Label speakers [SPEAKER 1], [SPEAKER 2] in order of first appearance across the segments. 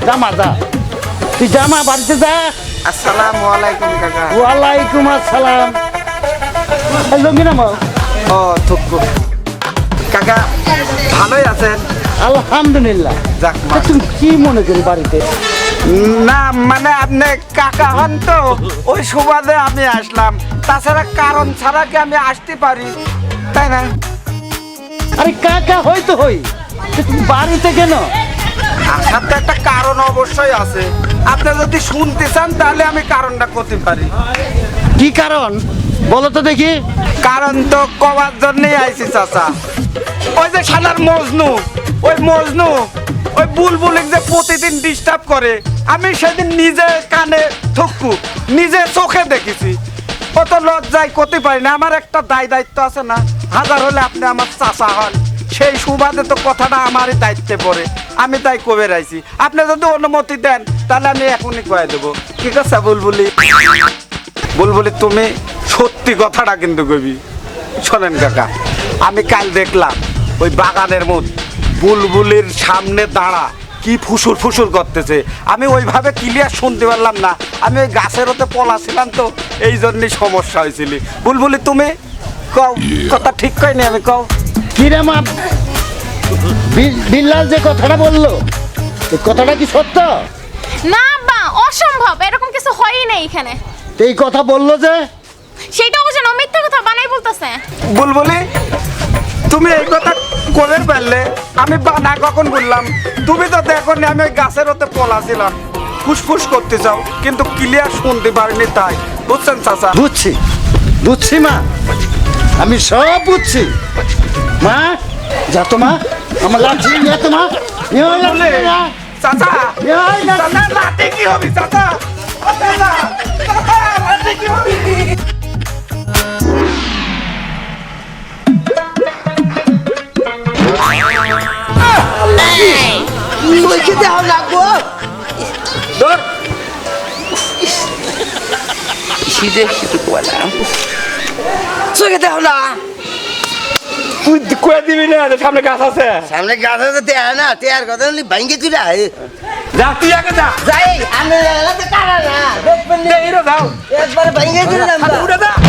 [SPEAKER 1] জামা যা, তুই জামা বাড়িতে যা।
[SPEAKER 2] আসসালামু আলাইকুম কাকা।
[SPEAKER 1] ওয়ালাইকুম আসসালাম। লঙ্গি নামাও।
[SPEAKER 2] ও থুকু কাকা, ভালোই আছেন?
[SPEAKER 1] আলহামদুলিল্লাহ।
[SPEAKER 2] যাক মা।
[SPEAKER 1] তা তুমি কি মনে করি বাড়িতে?
[SPEAKER 2] না মানে আপনি কাকা হন তো, ওই সুবাদে আমি আসলাম। তাছাড়া কারণ ছাড়া কি আমি আসতে পারি, তাই না?
[SPEAKER 1] আরে কাকা হয়তো হই, তা তুমি বাড়িতে কেন?
[SPEAKER 2] আসার তো একটা কারণ অবশ্যই আছে। আপনি যদি শুনতে চান তাহলে আমি কারণটা করতে পারি।
[SPEAKER 1] কি কারণ বলো তো দেখি।
[SPEAKER 2] কারণ তো কবার জন্যই আইছি চাচা। ওই যে শালার মজনু, ওই বুলবুলিক যে প্রতিদিন ডিস্টার্ব করে, আমি সেদিন নিজে কানে থুকু নিজে চোখে দেখেছি। কত লজ্জায় করতে পারি না, আমার একটা দায়িত্ব আছে না। হাজার হলে আপনি আমার চাচা হন, সেই সুবাদে তো কথাটা আমারই দায়িত্বে পড়ে, আমি তাই কবে রাইছি। আপনি যদি অনুমতি দেন তাহলে আমি এখনই কয়ে দেবো। ঠিক আছে বুলবুলি তুমি সত্যি কথাটা কিন্তু কবি। শোনেন কাকা, আমি কাল দেখলাম ওই বাগানের মধ্যে বুলবুলির সামনে দাঁড়া কি ফুসুর করতেছে। আমি ওইভাবে ক্লিয়ার শুনতে পারলাম না, আমি ওই গাছের ওতে পলাছিলাম তো, এই জন্যই সমস্যা হয়েছিল। বুলবুলি তুমি কও, কথা ঠিক কয়নি আমি কও।
[SPEAKER 1] কিরে মা, বিল্লাল যে কথাটা বললো, এই কথাটা কি সত্য?
[SPEAKER 3] না বা অসম্ভব, এরকম কিছু হয়ই নাই এখানে।
[SPEAKER 1] তো এই কথা বললো যে?
[SPEAKER 3] সেটাও বুঝেন ও মিথ্যা কথা বানাই বলতেছে।
[SPEAKER 2] বুলবুলি তুমি এই কথা করে ফেললে, আমি না কখন বললাম? তুমি তো দেখো নি আমি ওই গাছের ওতে পলাছিলাম, ফুসফুস করতে চাও কিন্তু ক্লিয়ার শুনতে পারিনি, তাই বুঝছেন চাচা?
[SPEAKER 1] বুঝছি মা, আমি সব বুঝছি। মা যা তো মা, আমার লাঠি নিয়ে তো মা।
[SPEAKER 2] চাচা চাচা লাঠি কি হবে চাচা? ও চাচা, চাচা, লাঠি কি হবে?
[SPEAKER 4] চোখে দেওয়া লাগবো।
[SPEAKER 2] ধর।
[SPEAKER 4] শীতে শীতে কোয়ালাম, চোখে দেওয়া না।
[SPEAKER 2] তুই কয়ে দিবি না, সামনে গাছ আছে।
[SPEAKER 4] সামনে গাছ আছে, তেয়ার না, তেয়ার কথা বলি ভাঙ্গে চুরা।
[SPEAKER 2] যা তুই আগে যা।
[SPEAKER 4] যাই আমি কারা না দেখবেন
[SPEAKER 2] যাও
[SPEAKER 4] একবার ভাঙ্গে চুরাম
[SPEAKER 2] উড়ে যা।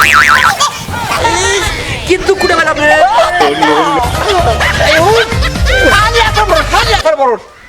[SPEAKER 4] কিন্তু কুড়ে বেলা
[SPEAKER 2] বড়